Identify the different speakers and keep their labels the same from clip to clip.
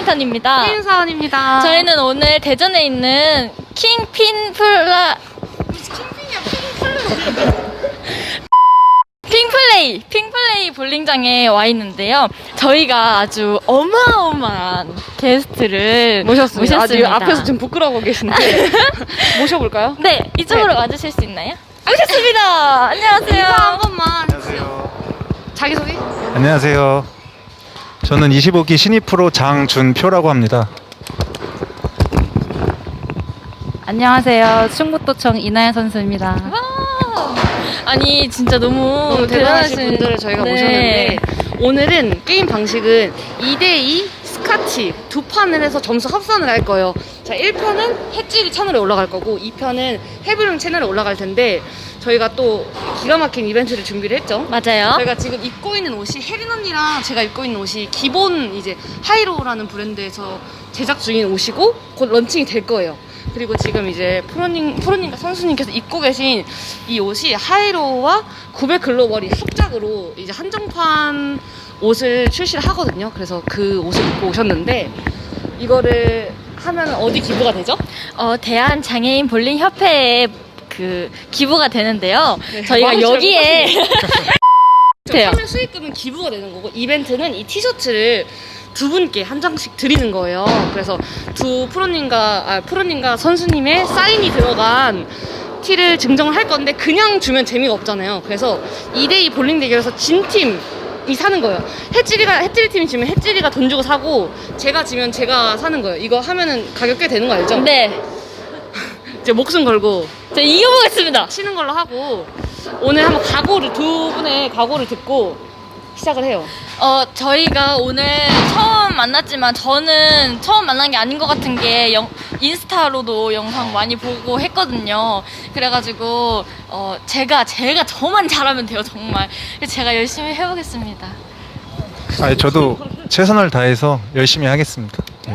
Speaker 1: 김인턴입니다.
Speaker 2: 혜윤사원입니다.
Speaker 1: 저희는 오늘 대전에 있는 핑플레이 볼링장에 와 있는데요. 저희가 아주 어마어마한 게스트를 모셨습니다.
Speaker 2: 아주 앞에서 좀 부끄러워 계신데 모셔볼까요?
Speaker 1: 네, 이쪽으로 와주실 수 있나요? 모셨습니다. 안녕하세요.
Speaker 2: 인사 한 번만.
Speaker 3: 안녕하세요.
Speaker 2: 자기소개?
Speaker 3: 안녕하세요. 저는 25기 신입 프로 장준표라고 합니다.
Speaker 4: 안녕하세요. 충북도청 이나연 선수입니다.
Speaker 1: 와, 아니 진짜 너무
Speaker 2: 대단하신 분들을 저희가
Speaker 1: 네.
Speaker 2: 모셨는데 오늘은 게임 방식은 2대2 스카치 두 판을 해서 점수 합산을 할 거예요. 자, 1편은 햇질이 채널에 올라갈 거고 2편은 헤블룸 채널에 올라갈 텐데 저희가 또 기가 막힌 이벤트를 준비를 했죠.
Speaker 1: 맞아요.
Speaker 2: 저희가 지금 입고 있는 옷이 혜린 언니랑 제가 입고 있는 옷이 기본 이제 하이로우라는 브랜드에서 제작 중인 옷이고 곧 런칭이 될 거예요. 그리고 지금 이제 프로님과 선수님께서 입고 계신 이 옷이 하이로우와 900 글로벌이 합작으로 이제 한정판 옷을 출시를 하거든요. 그래서 그 옷을 입고 오셨는데 이거를 하면 어디 기부가 되죠?
Speaker 1: 대한 장애인 볼링 협회에 그 기부가 되는데요.
Speaker 2: 네,
Speaker 1: 저희가
Speaker 2: 마음이
Speaker 1: 여기에 돼요.
Speaker 2: 판매 수익금은 기부가 되는 거고 이벤트는 이 티셔츠를 두 분께 한 장씩 드리는 거예요. 그래서 두 프로님과 선수님의 사인이 들어간 티를 증정을 할 건데 그냥 주면 재미가 없잖아요. 그래서 2대2 볼링 대결에서 진 팀이 사는 거예요. 햇찌리 팀이 지면 햇찌리가 돈 주고 사고 제가 지면 제가 사는 거예요. 이거 하면은 가격 꽤 되는 거 알죠?
Speaker 1: 네,
Speaker 2: 이제 목숨 걸고
Speaker 1: 저 이겨보겠습니다.
Speaker 2: 치는 걸로 하고 오늘 한번 두 분의 각오를 듣고 시작을 해요.
Speaker 1: 저희가 오늘 처음 만났지만 저는 처음 만난 게 아닌 것 같은 게 인스타로도 영상 많이 보고 했거든요. 그래가지고 저만 잘하면 돼요, 정말. 그래서 제가 열심히 해보겠습니다.
Speaker 3: 저도 최선을 다해서 열심히 하겠습니다. 네.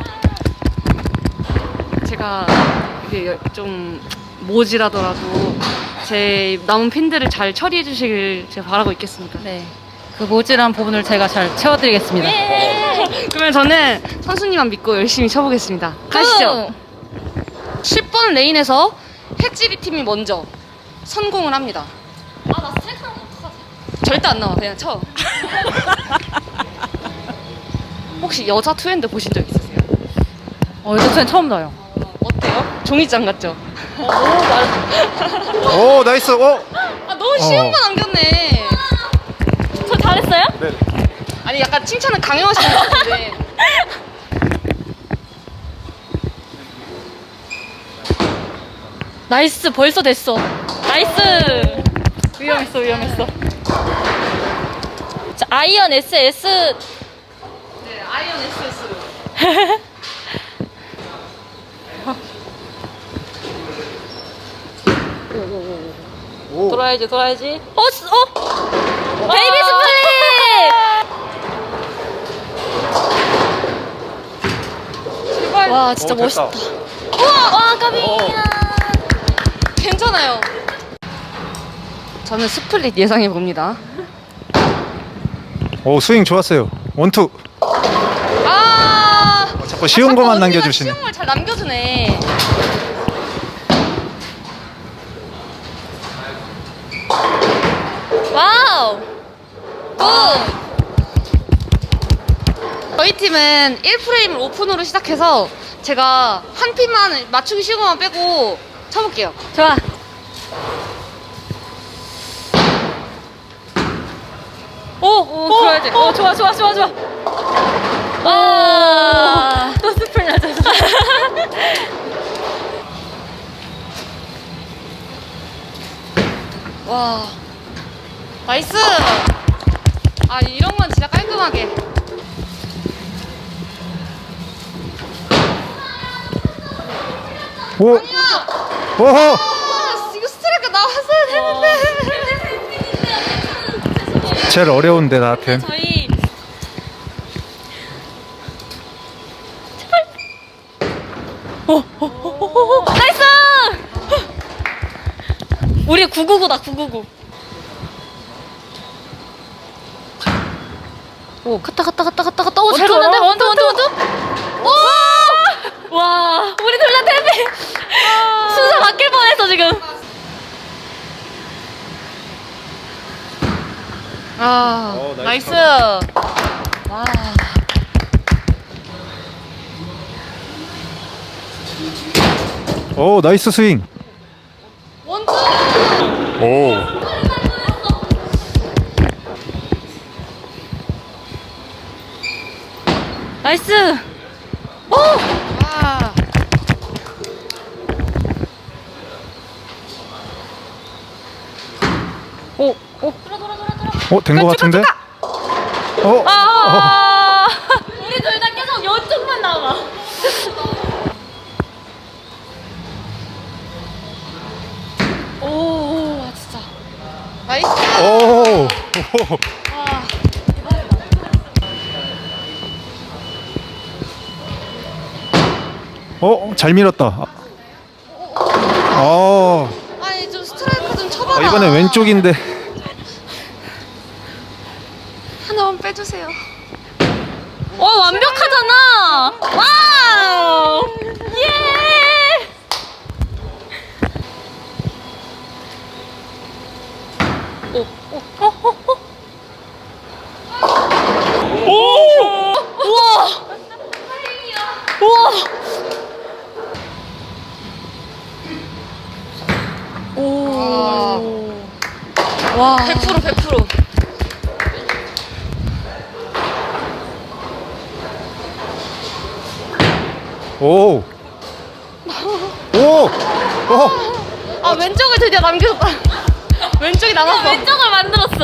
Speaker 2: 제가 이게 좀 모질하더라도 제 남은 핀들을 잘 처리해 주시길 제가 바라고 있겠습니다.
Speaker 4: 네. 그 모질한 부분을 제가 잘 채워드리겠습니다.
Speaker 1: 예!
Speaker 2: 그러면 저는 선수님만 믿고 열심히 쳐보겠습니다. 가시죠. 10번 레인에서 햇찌리 팀이 먼저 선공을 합니다.
Speaker 1: 나 스트라이크 하면 어떡하지?
Speaker 2: 절대 안 나와. 그냥 쳐. 혹시 여자 투핸드 보신 적 있으세요?
Speaker 4: 이거 처음 나요.
Speaker 2: 어때요? 종이장 같죠?
Speaker 3: 오, 나이스. 오.
Speaker 2: 너무 쉬운 거 남겼네.
Speaker 1: 저 잘했어요?
Speaker 3: 네.
Speaker 2: 아니 약간 칭찬은 강요하시는 것 같은데.
Speaker 1: 나이스, 벌써 됐어. 나이스. 위험했어. 자, 아이언 SS.
Speaker 2: 네, 아이언 SS로.
Speaker 3: 오.
Speaker 1: 돌아야지. 베이비 스플릿!
Speaker 2: 제발.
Speaker 1: 와, 진짜
Speaker 3: 오, 됐다.
Speaker 1: 멋있다. 와, 까비.
Speaker 2: 괜찮아요. 저는 스플릿 예상해 봅니다.
Speaker 3: 오, 스윙 좋았어요. 원투. 자꾸 쉬운 것만 남겨주시네.
Speaker 2: 쉬운 걸 잘 남겨주네.
Speaker 1: 와우. 굿.
Speaker 2: 저희 팀은 1프레임을 오픈으로 시작해서 제가 한 핀만 맞추기 쉬운 것만 빼고 쳐볼게요.
Speaker 1: 좋아. 오, 들어야지. 좋아. 와. 또 스플 낮았어.
Speaker 2: 와, 나이스. 이런 건 진짜 깔끔하게.
Speaker 3: 오.
Speaker 2: 아니야.
Speaker 3: 오호.
Speaker 2: 이거 스트라이크 나왔어야 되는데.
Speaker 3: 제일 어려운데 나한텐.
Speaker 1: 저희 나이스! 우리 999다 999. 오, 갔다. 오, 잘
Speaker 2: 원투,
Speaker 1: 갔는데? 원투. 오! 순서 바뀔 뻔했어 지금.
Speaker 2: 나이스. 와.
Speaker 3: 오, 나이스 스윙.
Speaker 2: 원투.
Speaker 3: 오.
Speaker 1: 나이스. 오.
Speaker 2: 와. 오, 오.
Speaker 3: 된 거 같은데?
Speaker 1: 아. 우리 둘 다 계속 이쪽만 나와.
Speaker 2: 오, 와, 진짜. 나이스.
Speaker 3: 오.
Speaker 2: 와.
Speaker 3: 잘 밀었다.
Speaker 2: 아니, 좀 스트라이크 좀 쳐봐라.
Speaker 3: 이번에 왼쪽인데.
Speaker 2: 하나만 빼주세요.
Speaker 1: 완벽하잖아. 와우. 예. 우와. 우와. 오. 와.
Speaker 2: 100%, 100%.
Speaker 3: 오. 오.
Speaker 2: 아, 왼쪽을 드디어 남겨줬다. 왼쪽이 남았어.
Speaker 1: 왼쪽을 만들었어.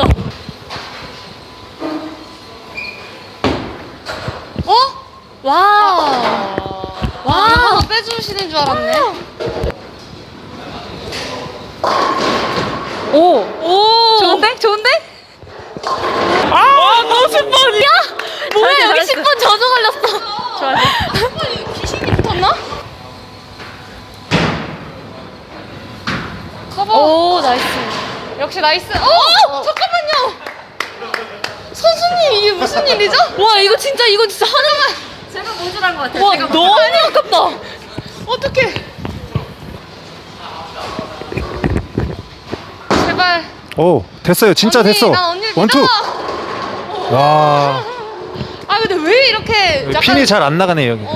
Speaker 2: 어?
Speaker 1: 와.
Speaker 2: 와, 하나 빼주시는 줄 알았네.
Speaker 1: 오. 오. 좋은데? 좋은데? 아, 너무 10번이야? 뭐야,
Speaker 4: 잘했어,
Speaker 1: 여기
Speaker 4: 잘했어.
Speaker 1: 10번 저주 걸렸어.
Speaker 2: 이거 귀신이 붙었나? 커버.
Speaker 1: 오, 나이스.
Speaker 2: 역시 나이스. 잠깐만요. 선수님, 이게 무슨 일이죠?
Speaker 1: 와, 이거 진짜 하나만.
Speaker 4: 제가 모질한 것 같아요.
Speaker 1: 와, 너무 아깝다.
Speaker 2: 어떡해. 제발.
Speaker 3: 오, 됐어요. 진짜
Speaker 2: 언니,
Speaker 3: 됐어.
Speaker 2: 난 언니를
Speaker 3: 원투.
Speaker 2: 믿어.
Speaker 3: 와.
Speaker 2: 아, 근데 왜 이렇게 약간.
Speaker 3: 핀이 잘 안 나가네 여기.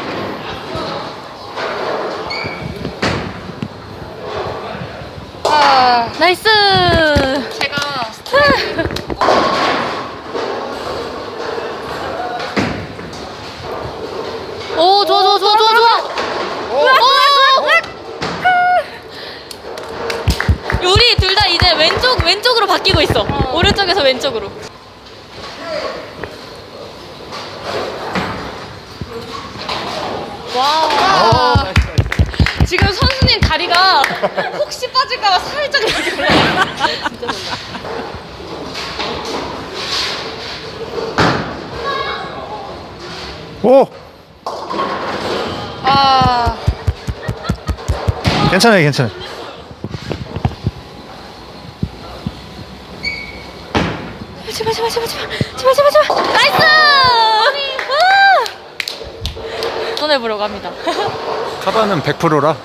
Speaker 1: 나이스.
Speaker 2: 제가
Speaker 1: 오, 좋아. 우리 둘 다 이제 왼쪽으로 바뀌고 있어. 오른쪽에서 왼쪽으로.
Speaker 2: 와. 지금 선수님 다리가 혹시 빠질까봐 살짝 이렇게 올라가. 진짜 놀라.
Speaker 3: 오.
Speaker 2: 아.
Speaker 3: 괜찮아요.
Speaker 1: 제발. 나이스. 손해보려고 합니다.
Speaker 3: 카바는 100%라.
Speaker 1: 와.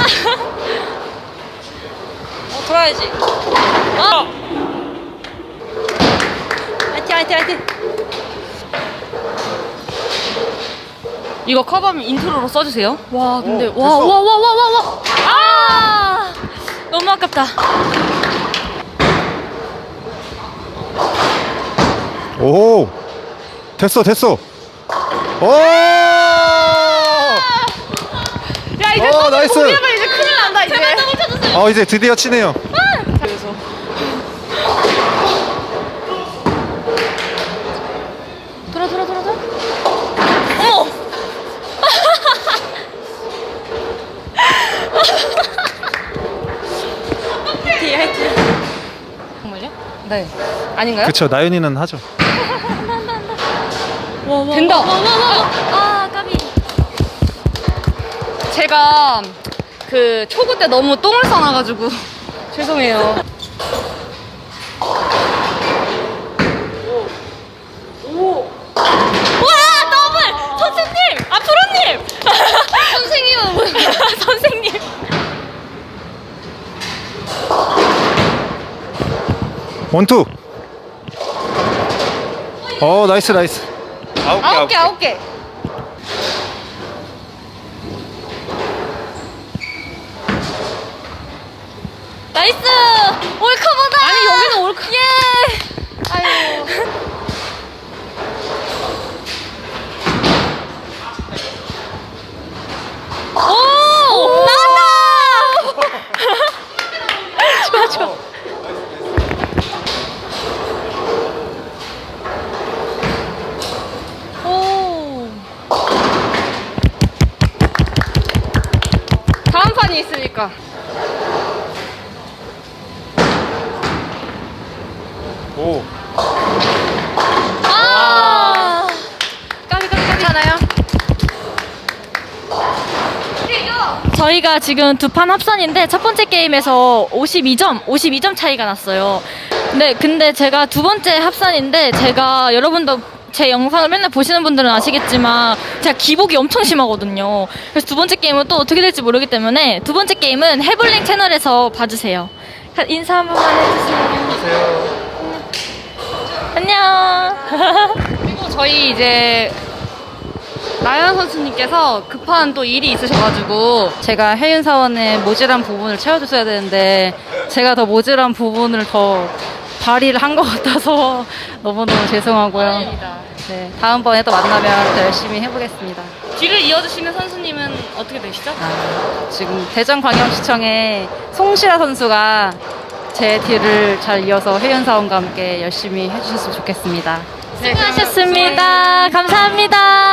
Speaker 1: 돌아야지. 화이팅.
Speaker 2: 이거 커버면 인트로로 써주세요.
Speaker 1: 와, 근데
Speaker 3: 오,
Speaker 1: 와.
Speaker 3: 됐어.
Speaker 1: 아! 너무 아깝다.
Speaker 3: 오. 됐어. 오.
Speaker 2: 야, 이제
Speaker 3: 어, 나이스.
Speaker 2: 포기하면 이제 큰일 난다, 이제.
Speaker 1: 제발 더블 쳐주세요.
Speaker 3: 이제 드디어 치네요.
Speaker 2: 그래서.
Speaker 1: 돌아. 어머. 화이팅.
Speaker 2: 정말요? 네. 아닌가요?
Speaker 3: 그쵸. 나연이는 하죠.
Speaker 2: 된다.
Speaker 1: 아, 까비.
Speaker 2: 제가 그 초구 때 너무 똥을 싸놔가지고 죄송해요.
Speaker 1: 와, 더블. 선생님. 아, 프로님.
Speaker 2: 선생님은 뭐야?
Speaker 1: 선생님.
Speaker 3: 원투. 나이스 나이스.
Speaker 2: 아홉 개.
Speaker 1: 나이스! 올커버다!
Speaker 2: 아니, 여기는 올커.
Speaker 1: 예!
Speaker 2: 아유.
Speaker 1: 오! 나왔다! 좋아. 오.
Speaker 2: 다음 판이 있으니까.
Speaker 3: 오.
Speaker 1: 아!
Speaker 2: 까비. 괜찮아요?
Speaker 1: 저희가 지금 두 판 합산인데 첫 번째 게임에서 52점 차이가 났어요. 근데 제가 두 번째 합산인데 제가 여러분도 제 영상을 맨날 보시는 분들은 아시겠지만 제가 기복이 엄청 심하거든요. 그래서 두 번째 게임은 또 어떻게 될지 모르기 때문에 두 번째 게임은 해블링 채널에서 봐주세요. 인사 한 번만 해주세요. 안녕.
Speaker 2: 그리고 저희 이제 나연 선수님께서 급한 또 일이 있으셔가지고
Speaker 4: 제가 혜윤 사원의 모질한 부분을 채워줬어야 되는데 제가 더 모질한 부분을 더 발휘를 한 것 같아서 너무너무 죄송하고요. 네, 다음번에 또 만나면 더 열심히 해보겠습니다.
Speaker 2: 뒤를 이어주시는 선수님은 어떻게 되시죠?
Speaker 4: 지금 대전광역시청에 송시라 선수가 제 뒤를 잘 이어서 혜윤 사원과 함께 열심히 해주셨으면 좋겠습니다.
Speaker 1: 수고하셨습니다. 감사합니다.